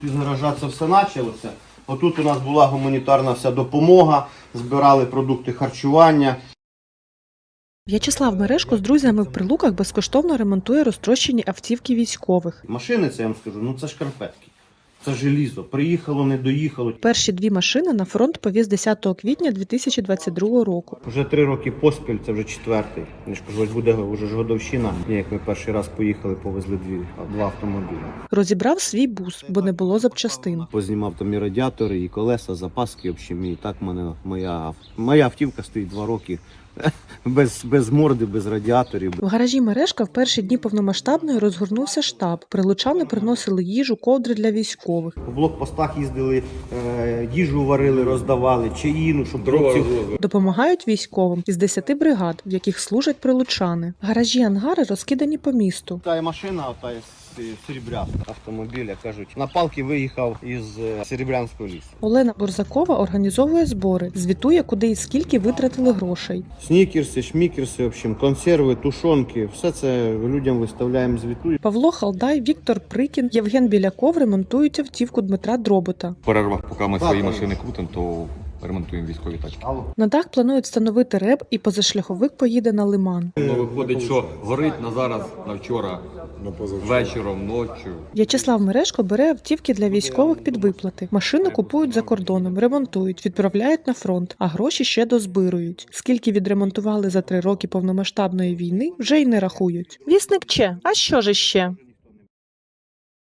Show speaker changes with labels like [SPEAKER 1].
[SPEAKER 1] З гаража це все почалося. Отут у нас була гуманітарна вся допомога, збирали продукти харчування.
[SPEAKER 2] В'ячеслав Мережко з друзями в Прилуках безкоштовно ремонтує розтрощені автівки військових.
[SPEAKER 1] Машини, це я вам скажу, це шкарпетки. Це желізо. Приїхало, не доїхало.
[SPEAKER 2] Перші дві машини на фронт повіз 10 квітня 2022 року.
[SPEAKER 1] Вже 3 роки поспіль, це вже 4-й. Я ж кажу, ось буде вже ж годовщина. Як ми перший раз поїхали, повезли 2 автомобілі.
[SPEAKER 2] Розібрав свій бус, бо не було запчастин.
[SPEAKER 1] Познімав там і радіатори, і колеса, запаски, в общем, і так в мене моя автівка стоїть 2 роки. Без морди, без радіаторів.
[SPEAKER 2] В гаражі Мережка в перші дні повномасштабної розгорнувся штаб. Прилучани приносили їжу, ковдри для військових.
[SPEAKER 1] По блокпостах їздили, їжу варили, роздавали, чаїну, щоб хлопців...
[SPEAKER 2] Допомагають військовим із 10 бригад, в яких служать прилучани. Гаражі-ангари розкидані по місту.
[SPEAKER 1] Та машина, ота Серебрянська автомобіля, кажуть, на палки виїхав із Серебрянського лісу.
[SPEAKER 2] Олена Борзакова організовує збори, звітує, куди і скільки витратили грошей.
[SPEAKER 1] Снікерси, шмікерси, в общем, консерви, тушонки, все це людям виставляємо, звітуємо.
[SPEAKER 2] Павло Халдай, Віктор Прикін, Євген Біляков ремонтують автівку Дмитра Дробота.
[SPEAKER 3] В перервах, поки ми свої машини крутимо, то ремонтуємо військові тачки.
[SPEAKER 2] На дах планують встановити реб і позашляховик поїде на Лиман.
[SPEAKER 3] Ну, виходить, що горить на зараз, на вчора, вечором, ночі.
[SPEAKER 2] В'ячеслав Мережко бере автівки для військових під виплати. Машини купують за кордоном, ремонтують, відправляють на фронт, а гроші ще дозбирують. Скільки відремонтували за 3 роки повномасштабної війни, вже й не рахують. Вісник Че, а що ж іще?